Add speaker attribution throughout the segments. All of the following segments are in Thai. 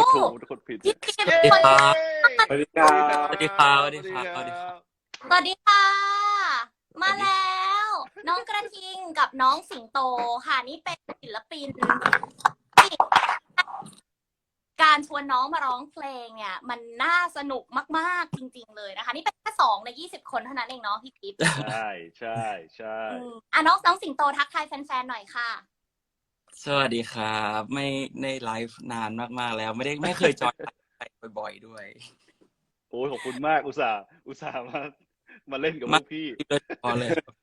Speaker 1: ถูกกดผิด
Speaker 2: พี่จิ๊บ
Speaker 3: สวัสดีครับ
Speaker 2: สวัสดีครับ
Speaker 3: สวัสดีครับสวัสดีครับสวัสดีครับ
Speaker 1: สวัสดีค่ะมาแล้วน้องกระทิงกับน้องสิงโตค่ะนี่เป็นศิลปินที่การชวนน้องมาร้องเพลงเนี่ยมันน่าสนุกมากๆจริงๆเลยนะคะนี่เป็นแค่2 ใน 20 คนเท่านั้นเองเนาะพี่จิ๊บ
Speaker 2: ใช่ใช่ใช่
Speaker 1: น้องสิงโตทักทายแฟนๆหน่อยค่ะ
Speaker 3: สวัสดีครับไม่ได้ไลฟ์นานมากๆแล้วไม่เคยจอยไลฟ์บ่อยๆด้วย
Speaker 2: โอ้ยขอบคุณมากอุตส่าห์มาเล่นกับพวกพี่
Speaker 3: พอเลยครับ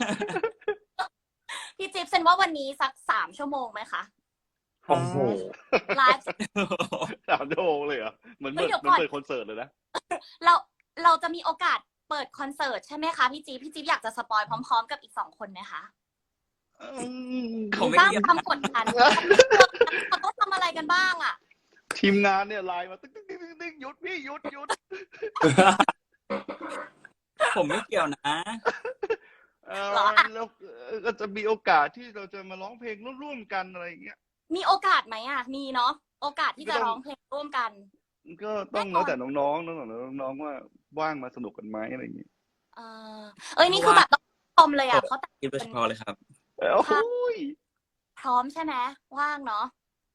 Speaker 1: พี่จิ๊บเซนว่าวันนี้สัก3 ชั่วโมงไหมคะ
Speaker 2: โอ้โห
Speaker 1: ไลฟ์
Speaker 2: 3 ชั่วโมงเลยเหรอมันเปิดคอนเสิร์ตเลยนะ
Speaker 1: เราจะมีโอกาสเปิดคอนเสิร์ตใช่ไหมคะพี่จิ๊บอยากจะสปอยพร้อมๆกับอีก2 คนไหมคะสร้างความกดดันเขาต้องทำอะไรกันบ้างอ่ะ
Speaker 2: ทีมงานเนี่ยไลน์มาตึ๊งหยุดพี่หยุด
Speaker 3: ผมไม่เกี่ยวนะ
Speaker 2: แล้วก็จะมีโอกาสที่เราจะมาร้องเพลงร่วมกันอะไรอย่างเงี้ย
Speaker 1: มีโอกาสไหมอ่ะมีเนาะโอกาสที่จะร้องเพลงร่วมกัน
Speaker 2: ก็ต้องแล้วแต่น้องๆว่าว่างมาสนุกกันไหมอะไรอย่างเงี้ย
Speaker 1: นี่คือแบบต้องชมเลยอ่ะเขาแต่ง
Speaker 3: โดยเฉพาะเลยครับ
Speaker 2: โอ้ย
Speaker 1: พร้อมใช่ไหมว่างเนาะ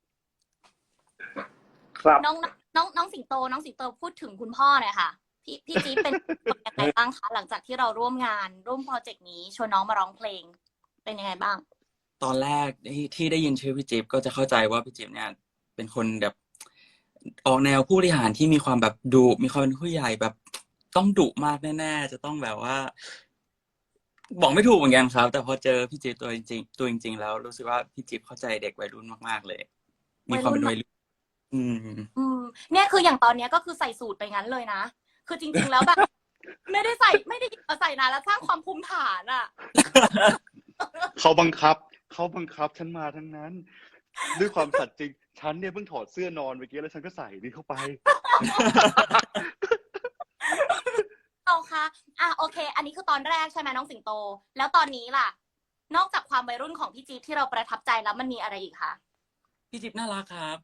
Speaker 2: ครับ
Speaker 1: น้องสิงโตพูดถึงคุณพ่อหน่อยค่ะพี่จี๊บเป็นยังไงบ้างคะหลังจากที่เราร่วมโปรเจกต์นี้ชวนน้องมาร้องเพลงเป็นยังไงบ้าง
Speaker 3: ตอนแรกที่ได้ยินชื่อพี่จิ๊บก็จะเข้าใจว่าพี่จิ๊บเนี่ยเป็นคนแบบออกแนวผู้บริหารที่มีความแบบดุมีความเป็นผู้ใหญ่แบบต้องดุมากแน่ๆจะต้องแบบว่าบอกไม่ถูกเหมือนกันครับแต่พอเจอพี่จิ๊บตัวจริงๆแล้วรู้สึกว่าพี่จิ๊บเข้าใจเด็กวัยรุ่นมากๆเลยมีความเป็นวัยรุ่น
Speaker 1: เนี่ยคืออย่างตอนนี้ก็คือใส่สูตรไปงั้นเลยนะคือจริงๆแล้วแบบไม่ได้ใส่นานแล้วสร้างความภูมิฐานอ่ะ
Speaker 2: เขาบังคับฉันมาทั้งนั้นด้วยความสัตย์จริงฉันเนี่ยเพิ่งถอดเสื้อนอนเมื่อกี้แล้วฉันก็ใส่นี่เข้าไป
Speaker 1: เอาค่ะโอเคอันนี้คือตอนแรกใช่ไหมน้องสิงโตแล้วตอนนี้ล่ะนอกจากความวัยรุ่นของพี่จิ๊บที่เราประทับใจแล้วมันมีอะไรอีกคะ
Speaker 3: พี่จิ๊บน่ารักครับ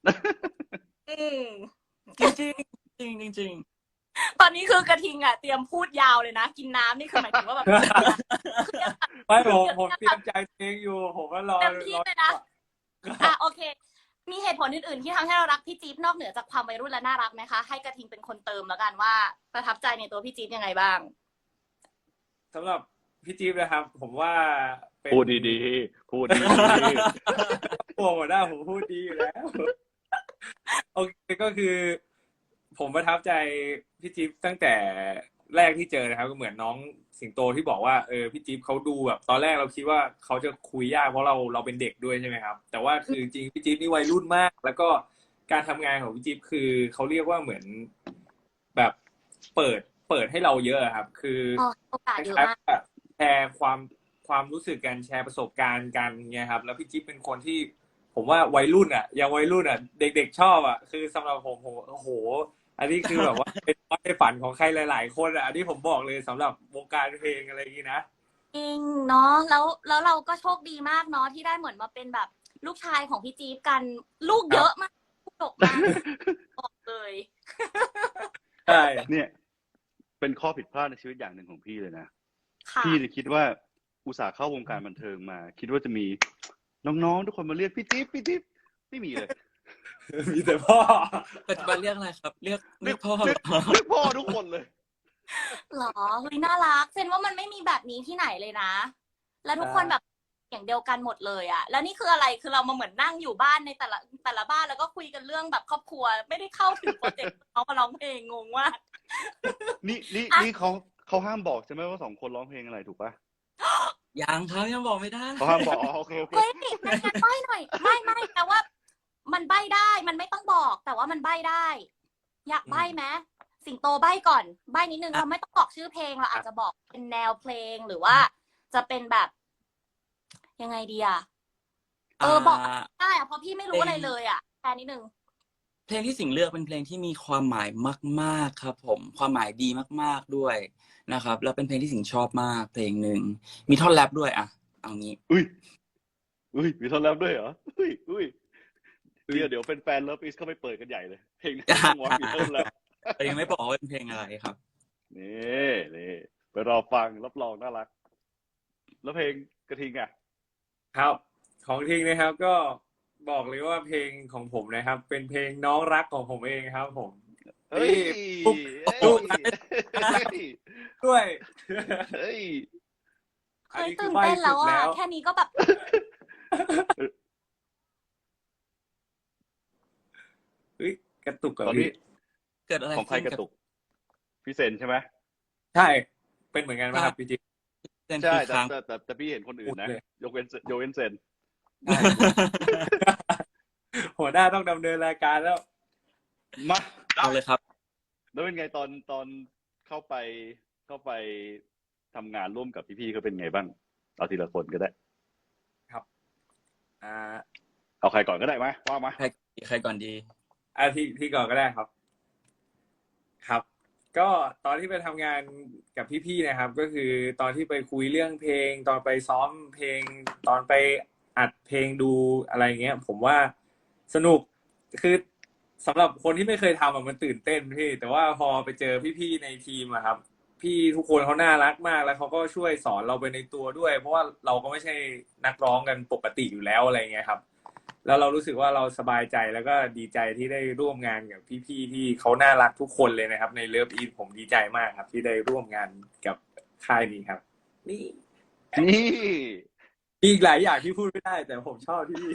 Speaker 3: จริง
Speaker 1: ตอนนี้คือกระทิงอ่ะเตรียมพูดยาวเลยนะกินน้ำนี่คือหมายถึงว่าแบบ
Speaker 4: ไม่ผมเตรียมใจเพลงอยู่ผมก็รอ
Speaker 1: เต็มที่เลยนะโอเคมีเหตุผลอื่นๆที่ทำให้เรารักพี่จี๊บนอกเหนือจากความวัยรุ่นและน่ารักไหมคะให้กระทิงเป็นคนเติมแล้วกันว่าประทับใจในตัวพี่จี๊บยังไงบ้าง
Speaker 4: สำหรับพี่จี๊บนะครับผมว่า
Speaker 2: พูดดีๆพูดดี
Speaker 4: ๆหัวหน้าผมพูดดีอยู่แล้วโอเคก็คือผมประทับใจพี่จิ๊บตั้งแต่แรกที่เจอนะครับก็เหมือนน้องสิงโตที่บอกว่าพี่จิ๊บเขาดูแบบตอนแรกเราคิดว่าเขาจะคุยยากเพราะเราเป็นเด็กด้วยใช่ไหมครับแต่ว่าคือจริงพี่จิ๊บนี่วัยรุ่นมากแล้วก็การทำงานของพี่จิ๊บคือเขาเรียกว่าเหมือนแบบเปิดให้เราเยอะครับคือ
Speaker 1: โอกาสเยอะมาก
Speaker 4: แชร์ความรู้สึกกันแชร์ประสบการณ์กันเนี่ยครับแล้วพี่จิ๊บเป็นคนที่ผมว่าวัยรุ่นอ่ะยังวัยรุ่นอ่ะเด็กๆชอบอ่ะคือสำหรับผมโอ้โหอันนี้คือแบบว่าเป็นในฝันของใครหลายๆคนอ่ะอันนี้ผมบอกเลยสำหรับวงการเพลงอะไรอย่างนี้นะ
Speaker 1: จริงเนาะแล้วเราก็โชคดีมากเนาะที่ได้เหมือนมาเป็นแบบลูกชายของพี่จี๊บกันลูกเยอะมากลูกดกมากบอกเลย
Speaker 4: ใช่
Speaker 2: เนี่ยเป็นข้อผิดพลาดในชีวิตอย่างหนึ่งของพี่เลยนะพี่คิดว่าอุตส่าห์เข้าวงการบันเทิงมาคิดว่าจะมีน้องๆทุกคนมาเรียกพี่จิ๊บไม่มีเลย
Speaker 4: มีแต่พ่อ
Speaker 3: ปัจจุบันเรียกอะไรครับเรียกพ่อ
Speaker 2: เรียกพ่อทุกคนเลย
Speaker 1: หรอเฮ้ยน่ารักเซนว่ามันไม่มีแบบนี้ที่ไหนเลยนะแล้วทุกคนแบบอย่างเดียวกันหมดเลยอ่ะแล้วนี่คืออะไรคือเรามาเหมือนนั่งอยู่บ้านในแต่ละบ้านแล้วก็คุยกันเรื่องแบบครอบครัวไม่ได้เข้าถึงโปรเจกต์เขามาร้องเพลงงงว่า
Speaker 2: นี่เขาห้ามบอกใช่ไหมว่า2 คนร้องเพลงอะไรถูกปะ
Speaker 3: ยังครับยังบอกไม่ได้
Speaker 2: เขาห้ามบอกโอเค
Speaker 1: เฮ้ยงั้นใบ้หน่อยไม่แต่ว่ามันใบ้ได้มันไม่ต้องบอกแต่ว่ามันใบ้ได้อยากใบ้ไหมสิงโตใบ้ก่อนใบ้นิดนึงเราไม่ต้องบอกชื่อเพลงเราอาจจะบอกเป็นแนวเพลงหรือว่าจะเป็นแบบยังไงดีอ่ะบอกได้อะเพราะพี่ไม่รู้อะไรเลยอ่ะแค่นิดนึง
Speaker 3: เพลงที่สิงเลือกเป็นเพลงที่มีความหมายมากๆครับผมความหมายดีมากๆด้วยนะครับแล้วเป็นเพลงที่สิงชอบมากเพลงหนึ่งมีท่อนแรปด้วยอ่ะเอางี้
Speaker 2: อุ้ยมีท่อนแรปด้วยเหรออุ้ยเดี๋ยวแฟนๆ Love Is เข้าไปเปิดกันใหญ่เลยเพลงต้องวอล์กอีเทิลแล้ว
Speaker 3: แต่ยังไม่บอกว่าเป็นเพลงอะไรครับ
Speaker 2: นี่ไปรอฟังรับรองน่ารัก แล้วเพลงกระทิงอ่ะ
Speaker 4: ครับ ของทิ้งนะครับ ก็บอกเลยว่าเพลงของผมนะครับ เป็นเพลงน้องรักของผมเองครับ ผม
Speaker 2: เฮ้ย
Speaker 4: ปุ๊บ
Speaker 2: ปุ๊บ
Speaker 4: ด้วย
Speaker 2: เฮ้ย
Speaker 1: เฮ้ยตื่นเต้นแล้วอ่ะแค่นี้ก็แบบ
Speaker 4: เฮ้ยกระตุกกับ
Speaker 2: ตอนนี้
Speaker 4: พี่
Speaker 3: เกิดอะไร
Speaker 2: ของใคร
Speaker 3: ขึ้น
Speaker 2: กระตุกพี่เซนใช่ไหม
Speaker 4: ใช่ เป็นเหมือนกันไหมครับพี่จิ๊บ
Speaker 3: เต้น
Speaker 2: ใช่
Speaker 3: คือค้าง
Speaker 2: แต่พี่เห็นคนอื่นนะ
Speaker 4: พูดเลย
Speaker 2: ยกเว้นเซน
Speaker 4: ใช่หัวหน้าต้องดำเนินรายการแล้ว
Speaker 2: มา
Speaker 3: เอาเลยครับ
Speaker 2: แล้วเป็นไงตอนเข้าไปทำงานร่วมกับพี่ๆเขาเป็นไงบ้างเอาทีละคนก็ได้
Speaker 4: อ่า
Speaker 2: เอาใครก่อนก็ได้ไหมว่ามา
Speaker 3: ใครก่อนดี
Speaker 4: ที่ก่อนก็ได้ครับ ครับ ก็ตอนที่ไปทำงานกับพี่ๆนะครับ ก็คือตอนที่ไปคุยเรื่องเพลง ตอนไปซ้อมเพลง ตอนไปอัดเพลงดูอะไรเงี้ย ผมว่าสนุกคือสำหรับคนที่ไม่เคยทำมันตื่นเต้นพี่แต่ว่าพอไปเจอพี่ๆในทีมอะครับ พี่ทุกคนเขาน่ารักมากแล้วเขาก็ช่วยสอนเราไปในตัวด้วย เพราะว่าเราก็ไม่ใช่นักร้องกันปกติอยู่แล้วอะไรเงี้ยครับ แล้วเรารู้สึกว่าเราสบายใจแล้วก็ดีใจที่ได้ร่วมงานกับพี่ๆที่เขาน่ารักทุกคนเลยนะครับ ในเลิฟอีทผมดีใจมากครับ ที่ได้ร่วมงานกับค่ายนี้ครับ นี่
Speaker 2: นี่
Speaker 4: มีอีกหลายอย่างที่พูดไม่ได้ แต่ผมชอบที่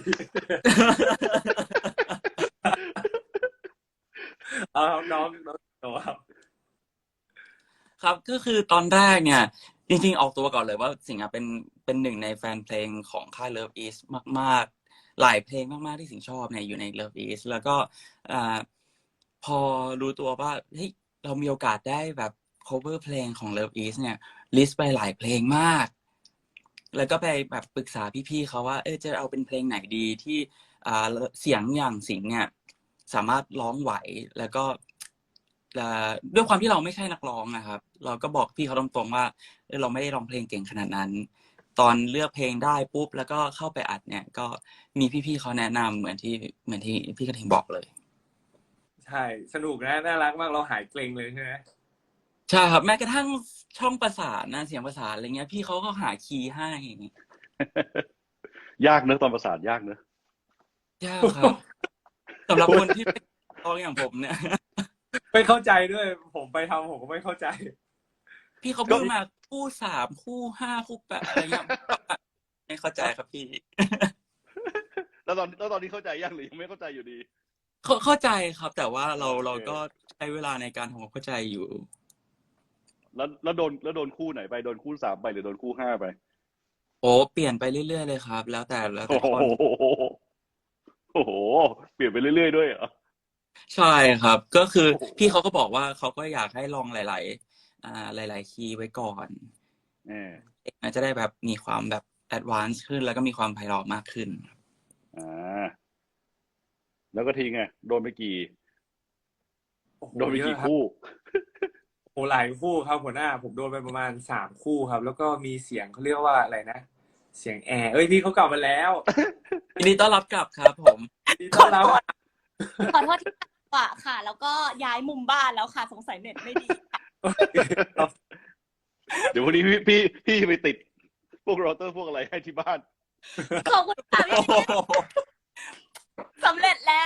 Speaker 4: เอาครับน้องโตครับ
Speaker 3: ครับก็คือตอนแรกเนี่ย จริงๆออกตัวก่อนเลยว่าสิงห์อะเป็นหนึ่งในแฟนเพลงของค่าย Love Is มากๆ หลายเพลงมากๆที่สิงห์ชอบเนี่ยอยู่ใน Love Is แล้วก็พอรู้ตัวว่าเฮ้ยเรามีโอกาสได้แบบ cover เพลงของ Love Is เนี่ยลิสต์ไปหลายเพลงมาก แล้วก็ไปแบบปรึกษาพี่ๆเขาว่าจะเอาเป็นเพลงไหนดีที่เสียงอย่างสิงห์เนี่ยสามารถร้องไหวแล้วก็ด้วยความที่เราไม่ใช่นักร้องนะครับเราก็บอกพี่เขาตรงๆว่าเราไม่ได้ร้องเพลงเก่งขนาดนั้น ตอนเลือกเพลงได้ปุ๊บแล้วก็เข้าไปอัดเนี่ยก็มีพี่ๆเขาแนะนำเหมือนที่พี่กระทิงบอกเลย
Speaker 4: ใช่สนุกนะน่ารักมากเราหายเกรงเลยใช่ไหม
Speaker 3: ใช่ครับแม้กระทั่งช่องประสานนะเสียงประสานอะไรเงี้ยพี่เขาก็หาคีย์ให้
Speaker 2: ยากเนอะตอนประสานยากเนอะ
Speaker 3: ยากครับสำหรับคนที่เป็นร้องอย่างผมเนี่ย
Speaker 4: ไม่เข้าใจด้วย ผมไปทำผมก็ไม่เข้าใจ
Speaker 3: พี่เขาพูดมาคู่3คู่5คู่8อะไรเงี้ยไม่เข้าใจครับพี่
Speaker 2: แล้วตอนนี้เข้าใจยังหรือยังไม่เข้าใจอยู่ดี
Speaker 3: เข้าใจครับ แต่ว่าเรา
Speaker 2: โอเค
Speaker 3: เราก็ใช้เวลาในการทำความเข้าใจอยู่
Speaker 2: แล้วโดนคู่ไหนไปโดนคู่3ไปหรือโดนคู่5ไป
Speaker 3: โอ้เปลี่ยนไปเรื่อยๆเลยครับ แล้วแต่
Speaker 2: โอ้โห
Speaker 3: คน
Speaker 2: โอ้โหเปลี่ยนไปเรื่อยๆด้วยเหรอ
Speaker 3: ใช่ครับ ก็คือ
Speaker 2: โอ้โห
Speaker 3: พี่เขาก็บอกว่าเขาก็อยากให้ลองหลายๆคีย์ไว้ก่อน มันจะได้แบบมีความแบบแอดวานซ์ขึ้นแล้วก็มีความไพเราะมากขึ้น
Speaker 2: แล้วก็ทิ้งไงโดนไปกี่
Speaker 4: โอ้โห
Speaker 2: โดนไป
Speaker 4: เย
Speaker 2: กี่
Speaker 4: อะครับ
Speaker 2: คู่
Speaker 4: โอ้หลายคู่ครับหัวหน้าผมโดนไปประมาณ3คู่ครับ แล้วก็มีเสียงเขาเรียกว่าอะไรนะ เสียงแอร์พี่เขากลับมาแล้ว
Speaker 3: ยินดีต้อนรับกลับครับผม
Speaker 4: ดีต้อนรับ
Speaker 1: ขอโทษที่ว่าค่ะ แล้วก็ย้ายมุมบ้านแล้วค่ะสงสัยเน็ตไม่ดี
Speaker 2: เดี๋ยววันนี้พี่ไปติดพวกโรเตอร์พวกอะไรให้ที่บ้าน
Speaker 1: ขอบคุณค่ะพี่สำเร็จแล้ว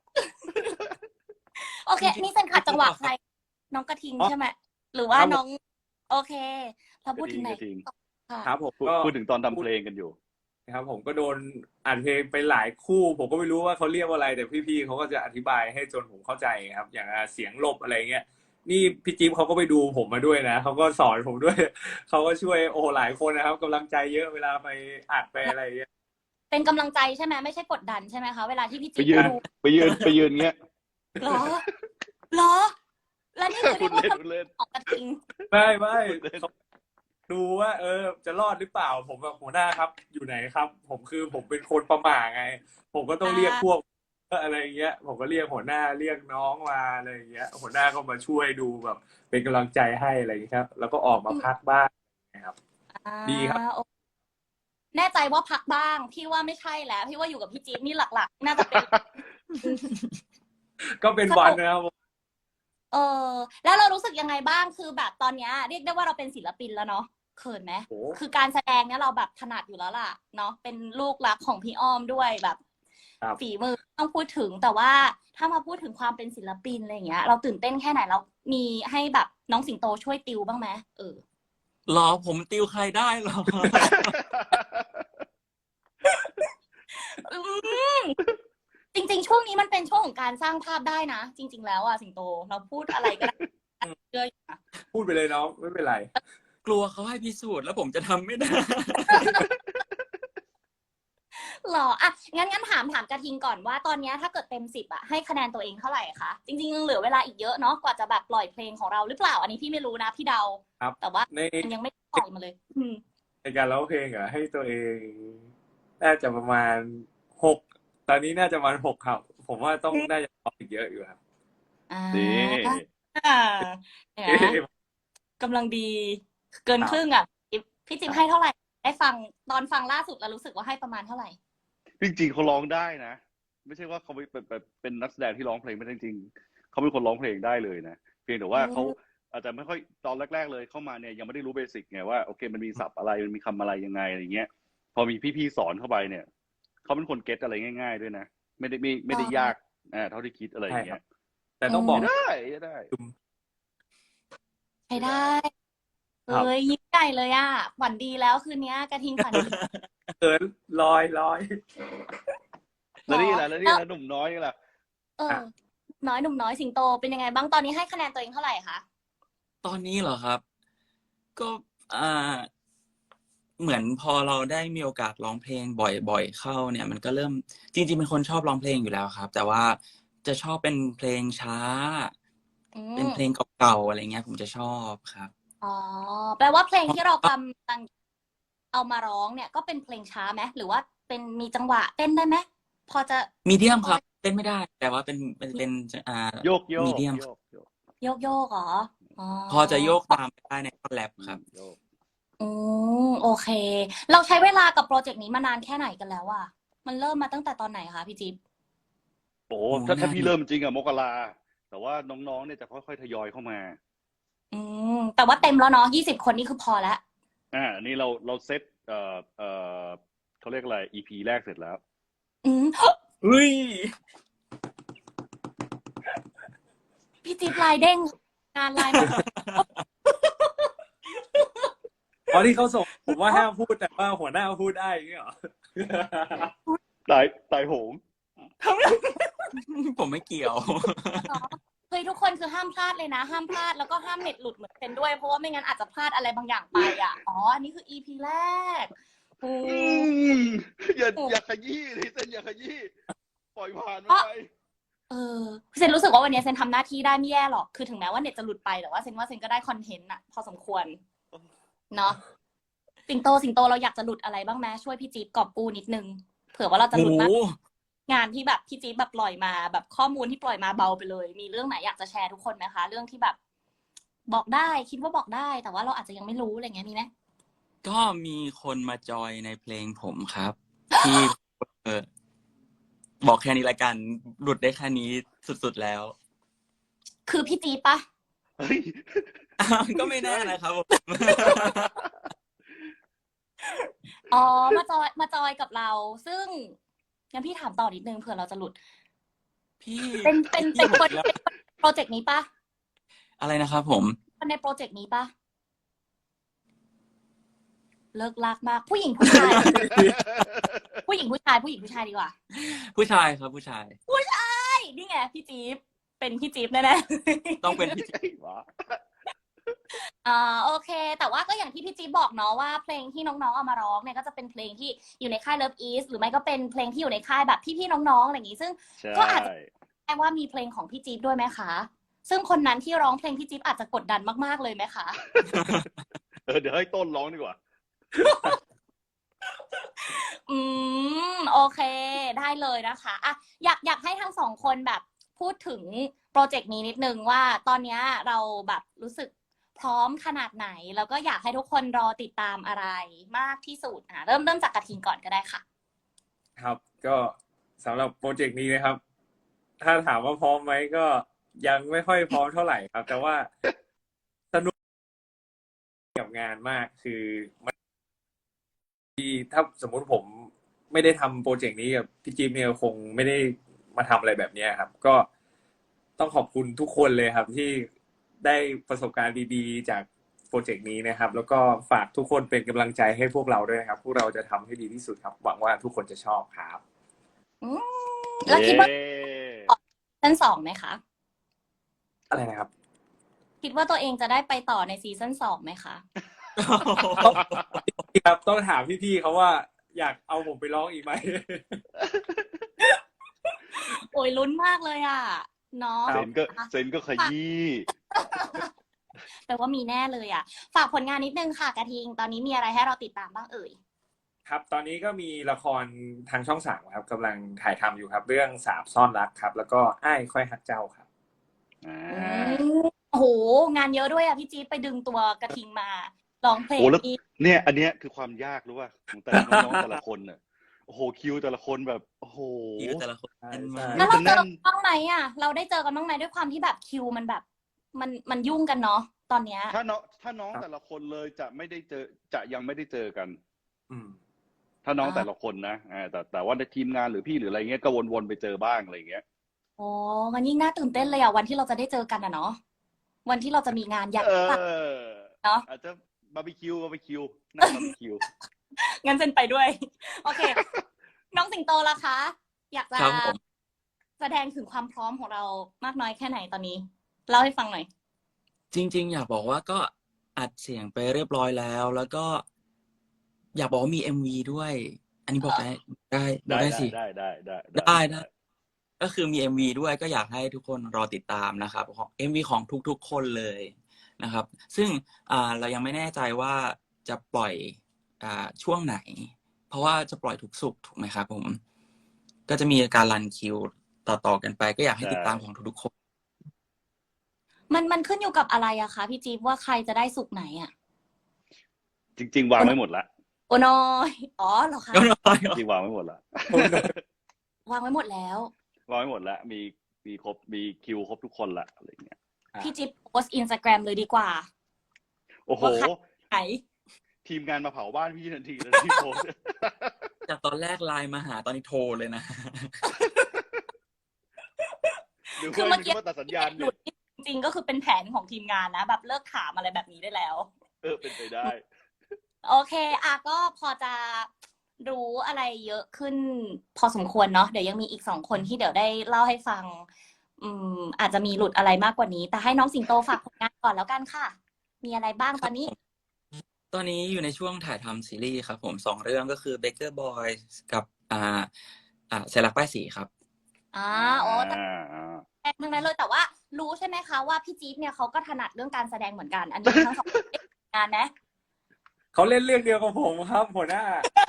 Speaker 1: โอเค นี่เส้นขัดจังหวะใคร น้องกระทิงใช่ไหมหรือว่าน้อง โอเค เราพูดถึงไหน
Speaker 2: กระทิง
Speaker 1: ค่ะ
Speaker 4: ครับผมก็
Speaker 2: พูดถึงตอนทำเพลงกันอยู่
Speaker 4: ครับผมก็โดนอัดเพลงไปหลายคู่ ผมก็ไม่รู้ว่าเขาเรียกว่าอะไร แต่พี่ๆเขาก็จะอธิบายให้จนผมเข้าใจครับ อย่างเสียงหลบอะไรเงี้ยนี่พี่จิ๊บเขาก็ไปดูผมมาด้วยนะเขาก็สอนผมด้วย เขาก็ช่วยโอ้หลายคนนะครับกำลังใจเยอะเวลาไปอัดไปอะไรเงี้ย
Speaker 1: เป็นกำลังใจใช่ไหมไม่ใช่กดดันใช่ไหมคะเวลาที่พี่
Speaker 2: ไป
Speaker 1: จิ๊บ
Speaker 2: ยืน
Speaker 1: ดู
Speaker 2: ไปยืนเงี้ย
Speaker 1: เหรอเหรอ แล้วนี่คือ
Speaker 2: พู
Speaker 1: เรีย
Speaker 2: ด
Speaker 1: กว่า
Speaker 2: เล่นพูดเล่น
Speaker 1: ของกระทิง
Speaker 4: ไม่เขาดูว่าจะรอดหรือเปล่า ผมแบบหัวหน้าครับ อยู่ไหนครับ ผมเป็นคนประหม่าไง ผมก็ต้องเรียกพวกอะไรเงี้ย ผมก็เรียกหัวหน้าเรียกน้องมาอะไรเงี้ย หัวหน้าก็มาช่วยดูแบบ เป็นกำลังใจให้อะไรอย่างเงี้ยครับ แล้วก็ออกมาพักบ้างนะครับ ดีครับ
Speaker 1: แน่ใจว่าพักบ้างพี่ว่าไม่ใช่แล้วพี่ว่าอยู่กับพี่จี๊บนี่หลักๆน่าจะเป็น
Speaker 4: ก็เป็นวันนะครับผม
Speaker 1: เออแล้วเรารู้สึกยังไงบ้างคือแบบตอนเนี้ยเรียกได้ว่าเราเป็นศิลปินแล้วเนาะเขินไหม
Speaker 4: โอ้
Speaker 1: คือการแสดงเนี้ยเราแบบถนัดอยู่แล้วล่ะเนาะเป็นลูกรักของพี่อ้อมด้วยแบบ
Speaker 4: ครับ
Speaker 1: ฝีมือต้องพูดถึงแต่ว่าถ้ามาพูดถึงความเป็นศิลปินอะไรอย่างเงี้ย เราตื่นเต้นแค่ไหนเรามีให้แบบน้องสิงโตช่วยติวบ้างไหม
Speaker 3: หรอผมติวใครได้หรอ
Speaker 1: อืมจริงๆช่วงนี้มันเป็นช่วงของการสร้างภาพได้นะจริง ๆ แล้วอะสิงโตเราพูดอะไรก็ได้เชื่ออยู่นะ
Speaker 4: พูดไปเลยน้องไม่เป็นไร
Speaker 3: กลัวเขาให้พิสูจน์แล้วผมจะทำไม่ได้
Speaker 1: หรออ่ะงั้นถามกระทิงก่อนว่าตอนเนี้ยถ้าเกิดเต็ม10อะให้คะแนนตัวเองเท่าไหร่คะจริงๆเหลือเวลาอีกเยอะเนาะกว่าจะแบบปล่อยเพลงของเราหรือเปล่าอันนี้พี่ไม่รู้นะพี่เดา
Speaker 4: ครับ
Speaker 1: แต่ว่า
Speaker 4: ใน
Speaker 1: มันยังไม่ปล่อยมาเลย
Speaker 4: ในการร้องเพลงอ่ะให้ตัวเองน่าจะประมาณ6ตอนนี้น่าจะประมาณ6ครับ ผมว่าต้องน่าจะร้องอีกเยอะอยู่ครับ
Speaker 1: อ่า
Speaker 2: นี่
Speaker 1: เนี่ยกำลังดีเกินครึ่งอ่ะพี่จิ๊บให้เท่าไหร่ได้ฟังตอนฟังล่าสุดแล้วรู้สึกว่าให้ประมาณเท่าไหร่
Speaker 2: จริงๆเขาร้องได้นะ ไม่ใช่ว่าเขาเป็นนักแสดงที่ร้องเพลงไม่ได้จริงๆเขาเป็นคนร้องเพลงได้เลยนะเพียงแต่ว่าเขาอาจจะไม่ค่อยตอนแรกๆเลยเข้ามาเนี่ยยังไม่ได้รู้เบสิกไงว่าโอเคมันมีศัพท์อะไรมันมีคำอะไรยังไงอะไรเงี้ยพอมีพี่ๆสอนเข้าไปเนี่ยเขาเป็นคนเก็ตอะไรง่ายๆด้วยนะไม่ได้ยากเท่าที่คิดอะไรอย่างเงี้ย
Speaker 4: แต่ต้องบอก
Speaker 2: ได้
Speaker 1: ใช้ได้
Speaker 4: ครับ
Speaker 1: เอ้ยยิ้มใหญ่เลยอ่ะฝันดีแล้วคืนนี้กระทิงฝันดี
Speaker 4: เขินลอย
Speaker 2: แล้วนี่แหละหนุ่มน้อยนี่แหละ
Speaker 1: หนุ่มน้อยสิงโตเป็นยังไงบ้างตอนนี้ให้คะแนนตัวเองเท่าไหร่คะ
Speaker 3: ตอนนี้เหรอครับ ก็เหมือนพอเราได้มีโอกาสร้องเพลงบ่อยๆเข้าเนี่ย มันก็เริ่มจริงๆเป็นคนชอบร้องเพลงอยู่แล้วครับ แต่ว่าจะชอบเป็นเพลงช้า เป็นเพลงเก่าๆอะไรเงี้ย ผมจะชอบครับ
Speaker 1: อ๋อแปลว่าเพลงที่เรากำลังเอามาร้องเนี่ยก็เป็นเพลงช้าไหมหรือว่าเป็นมีจังหวะเต้นได้ไหมพอจะ
Speaker 3: มีเดียมครับเต้นไม่ได้ แต่ว่าเป็น
Speaker 2: โยก
Speaker 3: มีเดียม
Speaker 1: โยกเหรออ๋อ
Speaker 3: พอจะโยกตามได้ในคอนแลบครับ
Speaker 2: โยก
Speaker 1: โอเค เราใช้เวลากับโปรเจกต์นี้มานานแค่ไหนกันแล้วอ่ะมันเริ่มมาตั้งแต่ตอนไหนคะพี่จิ๊บ
Speaker 2: โอ้ถ้าพี่เริ่มจริงอะมกราแต่ว่าน้องๆเนี่ยจะค่อยๆทยอยเข้ามา
Speaker 1: แต่ว่าเต็มแล้วเนาะ20 คนนี่คือพอแล้ว
Speaker 2: อันนี้เราเซตเขาเรียกอะไร EP แรกเสร็จแล้ว
Speaker 3: เฮ้ย
Speaker 1: พี่จิ๊บลายเด้งงานลายมา
Speaker 4: ตอนที่เขาส่งผมว่าห้ามพูดแต่ว่าหัวหน้าพูดได้อย่างเงี้ยเหรอ
Speaker 2: ตายโหง
Speaker 3: ผมไม่เกี่ยว
Speaker 1: เฮ้ยทุกคนคือห้ามพลาดเลยนะห้ามพลาดแล้วก็ห้ามเน็ตหลุดเหมือนเป็นด้วยเพราะว่าไม่งั้นอาจจะพลาดอะไรบางอย่างไปอ่ะอันนี้คือ EP แรก
Speaker 2: อย่าขยี้เลยเซนอย่าขยี้ปล่อยผ่านไป
Speaker 1: เซนรู้สึกว่าวันนี้เซนทำหน้าที่ได้ไม่แย่หรอกคือถึงแม้ว่าเน็ตจะหลุดไปแต่ว่าเซนก็ได้คอนเทนต์อะพอสมควรเนาะสิงโตเราอยากจะหลุดอะไรบ้างไหมช่วยพี่จี๊บกอบกู้นิดนึงเผื่อว่าเราจะหลุดมากงานที่แบบพี่จี๊บแบบปล่อยมาแบบข้อมูลที่ปล่อยมาเบาไปเลยมีเรื่องไหนอยากจะแชร์ทุกคนไหมคะเรื่องที่แบบบอกได้คิดว่าบอกได้แต่ว่าเราอาจจะยังไม่รู้อะไรเงี้ยมีไหม
Speaker 3: ก็มีคนมาจอยในเพลงผมครับ ที่บอกแค่นี้ละกันหลุดได้แค่นี้สุดๆแล้ว
Speaker 1: คือพี่จี๊บปะ
Speaker 3: ก็ไม่แน่นะครับผม
Speaker 1: มาจอยกับเรา ซึ่งงั้นพี่ถามต่อนิดนึงเผื่อเราจะหลุด
Speaker 3: พี่
Speaker 1: เป็นโปรเจกต์นี้ปะ
Speaker 3: อะไรนะครับผม
Speaker 1: ในโปรเจกต์นี้ปะเลิกลากมากผู้หญิงผู้ชาย ผู้หญิงผู้ชายดีกว่า
Speaker 3: ผู้ชายครับผู้ชาย
Speaker 1: นี่ไงพี่จี๊บเป็นพี่จี๊บแน่ๆ
Speaker 3: ต้องเป็นพี่จิ๊บ
Speaker 1: โอเค แต่ว่าก็อย่างที่พี่จี๊บบอกเนาะว่าเพลงที่น้องๆเอามาร้องเนี่ยก็จะเป็นเพลงที่อยู่ในค่าย Love East หรือไม่ก็เป็นเพลงที่อยู่ในค่ายแบบพี่ๆน้องๆอะไรอย่างงี้ซึ่งก็อาจจะแปลว่ามีเพลงของพี่จี๊บด้วยไหมคะซึ่งคนนั้นที่ร้องเพลงพี่จี๊บอาจจะกดดันมากๆเลยไหมคะ
Speaker 2: เดี๋ยวให้ต้นร้องดีกว่า
Speaker 1: โอเคได้เลยนะคะอ่ะอยากให้ทั้งสองคนแบบพูดถึงโปรเจกต์นี้นิดนึงว่าตอนนี้เราแบบรู้สึกพร้อมขนาดไหน แล้วก็อยากให้ทุกคนรอติดตามอะไรมากที่สุดเริ่มจากกระทิงก่อนก็ได้ค่ะ
Speaker 4: ครับ ก็สำหรับโปรเจกต์นี้นะครับ ถ้าถามว่าพร้อมไหมก็ยังไม่ค่อยพร้อมเท่าไหร่ครับ แต่ว่าสนุกกับงานมากคือมันถ้าสมมุติผมไม่ได้ทำโปรเจกต์นี้กับพี่จิ๊บเนี่ยคงไม่ได้มาทำอะไรแบบนี้ครับ ก็ต้องขอบคุณทุกคนเลยครับ ที่ได้ประสบการณ์ดีๆจากโปรเจกต์นี้นะครับ แล้วก็ฝากทุกคนเป็นกำลังใจให้พวกเราด้วยนะครับ พวกเราจะทำให้ดีที่สุดครับ หวังว่าทุกคนจะชอบครับ
Speaker 1: แล้วคิดว่า
Speaker 2: เย้
Speaker 1: ซีซั่น2ไหมคะ
Speaker 4: อะไรนะครับ
Speaker 1: คิดว่าตัวเองจะได้ไปต่อในซีซั่น2ไหมคะ
Speaker 4: ครับต้องถามพี่ๆเขาว่าอยากเอาผมไปร้องอีกไหม
Speaker 1: โอ้ยลุ้นมากเลยอ่ะเนาะ
Speaker 2: เซนก็ขยี้
Speaker 1: แปลว่ามีแน่เลยอ่ะ ฝากผลงานนิดนึงค่ะกระทิง ตอนนี้มีอะไรให้เราติดตามบ้างเอ่ย
Speaker 4: ครับตอนนี้ก็มีละครทางช่อง3ครับกำลังถ่ายทำอยู่ครับ เรื่องสาบซ่อนรักครับ แล้วก็อ้ายค่อยฮักเจ้าครับ
Speaker 1: โอ้โห งานเยอะด้วยอ่ะพี่จี๊ดไปดึงตัวกระทิงมาร้องเพลง
Speaker 2: โอ้แล้ว
Speaker 1: อีก
Speaker 2: เนี่ย อันเนี้ยคือความยากรู้ป่ะของแต่ละน้องๆแต่ละคนน่ะโอ้โหคิวแต่ละคนแบบโอ้โห
Speaker 3: คิวแต่ละคนแน่นมาก
Speaker 1: แล้วเราเจอกันบ้างไหมอ่ะ เราได้เจอกันบ้างไหมด้วยความที่แบบคิวมันแบบ มันยุ่งกันเนาะตอนเนี้ย
Speaker 2: ถ้าน้องแต่ละคนเลยจะยังไม่ได้เจอกัน
Speaker 4: อืม
Speaker 2: ถ้าน้องแต่ละคนนะแต่ว่าในทีมงานหรือพี่หรืออะไรเงี้ยก็วนๆไปเจอบ้างอะไรเงี้ย
Speaker 1: โอ้มันยิ่งน่าตื่นเต้นเลยอ่ะวันที่เราจะได้เจอกันอ่ะเนาะวันที่เราจะมีงานใหญ่เนาะ
Speaker 2: อาจจะบาร์บีคิวนั่งบาร์บีคิว
Speaker 1: งั้นเซนไปด้วย โอเค น้องสิงโตล่ะคะ อยากจะ
Speaker 3: ครับผม
Speaker 1: แสดงถึงความพร้อมของเรามากน้อยแค่ไหนตอนนี้เล่าให้ฟังหน่อย
Speaker 3: จริงๆอยากบอกว่าก็อัดเสียงไปเรียบร้อยแล้ว แล้วก็อยากบอกว่ามี MV ด้วย อันนี้บอกได้สิ
Speaker 2: ได้
Speaker 3: ก็คือมี MV ด้วยก็อยากให้ทุกคนรอติดตามนะครับของ MV ของทุกๆคนเลยนะครับ ซึ่งเรายังไม่แน่ใจว่าจะปล่อยช่วงไหน เพราะว่าจะปล่อยทุกศุกร์ถูกไหมครับผม ก็จะมีการรันคิวต่อๆกันไป ก็อยากให้ติดตามของทุกๆคน
Speaker 1: มันขึ้นอยู่กับอะไรอะคะพี่จี๊บว่าใครจะได้สุกไหนอะ
Speaker 2: จริงๆวางไว้หมดละ
Speaker 1: โอ้น้อยอ๋อเหรอคะ
Speaker 2: จริงๆวางไว้หมดละ
Speaker 1: วางไว้หมดแล้ว
Speaker 2: วางไว้หมดละมีครบมีคิวครบทุกคนละอะไรเงี้ย
Speaker 1: พี่จิ๊บโพสอินสตาแกรมเลยดีกว่า
Speaker 2: โอ้โห
Speaker 1: ไหน
Speaker 2: ทีมงานมาเผาบ้านพี่ทันทีเลยที่โพส
Speaker 3: จากตอนแรกไลน์มาหาตอนนี้โทรเลยนะ
Speaker 2: หรือ
Speaker 1: คือ
Speaker 2: ว่า
Speaker 1: เมื่อกี้
Speaker 2: ว่าตัดสัญญาณ
Speaker 1: หลุ
Speaker 2: เนี่ย
Speaker 1: ดจริงๆก็คือเป็นแผนของทีมงานนะแบบเลิกถามอะไรแบบนี้ได้แล้ว
Speaker 2: เป็นไปได้
Speaker 1: โอเคก็พอจะรู้อะไรเยอะขึ้นพอสมควรเนาะเดี๋ยวยังมีอีก2 คนที่เดี๋ยวได้เล่าให้ฟังอาจจะมีหลุดอะไรมากกว่านี้ แต่ให้น้องสิงโตฝากผลงานก่อนแล้วกันค่ะ มีอะไรบ้างตอนนี้
Speaker 3: ตอนนี้อยู่ในช่วงถ่ายทำซีรีส์ครับผม2 เรื่องก็คือ Baker Boys กับเซรักป้ายสีครับ
Speaker 1: โอ้แต่แสดงทั้งนั้นเลยแต่ว่ารู้ใช่ไหมคะว่าพี่จี๊ดเนี่ยเขาก็ถนัดเรื่องการแสดงเหมือนกัน อันนี้ทั้ง2คนได้งานนะ
Speaker 4: เขาเล่นเรื่องเดียวกับผมครับหัวหน้า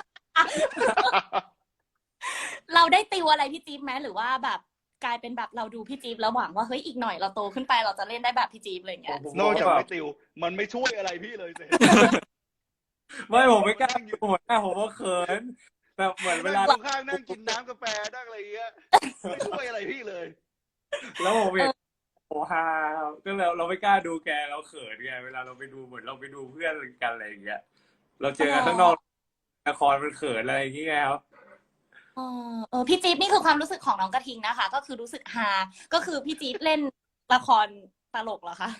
Speaker 1: เราได้ติวอะไรพี่จี๊บไหมหรือว่าแบบกลายเป็นแบบเราดูพี่จี๊บแล้วหวังว่าเฮ้ยอีกหน่อยเราโตขึ้นไปเราจะเล่นได้แบบพี่จี๊บอะไรอย่างเงี้ย
Speaker 2: นอกจากไม่ติว มันไม่ช่วยอะไรพี่เลยสิ
Speaker 4: ไม่ผมไม่กล้าอยู่หัวหน้าผมว่าเขินแบบเหมือนเวลา
Speaker 2: นั่งข้างนั่งกินน้ำกาแฟนั่งอะไรเงี้ยไม่ช่วยอะไรพี่เลย
Speaker 4: แล้วผมเห็นโอ้ฮาก็เราไม่กล้าดูแกเราเขินไงเวลาเราไปดูเหมือนเราไปดูเพื่อนกันอะไรอย่างเงี้ยเราเจอกันข้างนอกละครมันเขินอะไรอย่างเงี้ยครับ
Speaker 1: พี่จี๊บนี่คือความรู้สึกของน้องกระทิงนะคะ ก็คือรู้สึกฮาก็คือพี่จี๊บเล่นละครตลกเหรอคะ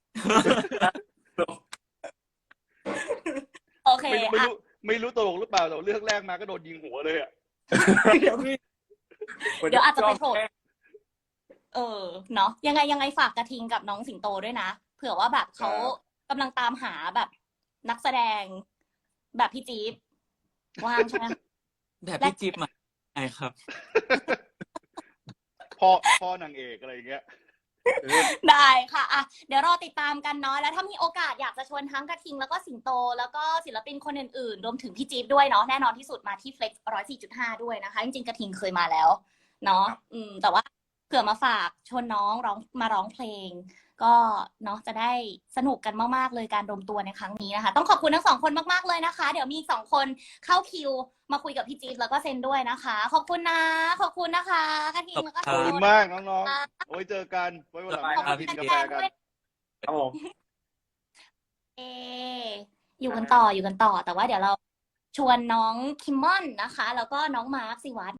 Speaker 1: โอเค
Speaker 2: ไม่รู้ตลกหรือเปล่าแต่เรื่องแรกมาก็โดนยิงหัวเลยอ่ะ
Speaker 1: เดี๋ยวอาจจะไปโผล่เนาะยังไงฝากกระทิงกับน้องสิงโตด้วยนะเผื่อว่าแบบเขากำลังตามหาแบบนักแสดง แบบพี่จี๊บว่างใช่ไหม
Speaker 3: แบบพี่จิ๊บมาไงครับ
Speaker 2: พ่อนางเอกอะไรอย่างเงี้ย
Speaker 1: ได้ค่ะเดี๋ยวรอติดตามกันเนาะแล้วถ้ามีโอกาสอยากจะชวนทั้งกระทิงแล้วก็สิงโตแล้วก็ศิลปินคนอื่นๆรวมถึงพี่จี๊บด้วยเนาะแน่นอนที่สุดมาที่ Flex 104.5 ด้วยนะคะจริงๆกระทิงเคยมาแล้วเนาะแต่ว่าคืผื่อมาฝากชวนน้องมาร้องเพลง ก็เนาะจะได้สนุกกันมากๆเลยการรวมตัวในครั้งนี้นะคะต้องขอบคุณทั้งสองคนมากๆเลยนะคะ เดี๋ยวมีอีก2 คนเข้าคิวมาคุยกับพี่จี๊บแล้วก็เซนด้วยนะคะ ขอบคุณนะขอบคุณนะคะกระทิงแล้วก็
Speaker 2: ขอบคุณมากน้องๆ โอ้ยเจอกัน ไว้วันหลัง
Speaker 1: ขอบ
Speaker 2: มา
Speaker 1: คุณ
Speaker 2: กินกา
Speaker 1: แฟ
Speaker 2: แฟ
Speaker 1: นๆ
Speaker 2: กัน
Speaker 1: ด้วย
Speaker 4: ครับผม
Speaker 1: อยู่กันต่อแต่ว่าเดี๋ยวเราชวนน้องคิมมอนนะคะ แล้วก็น้องมาร์คสิวัตร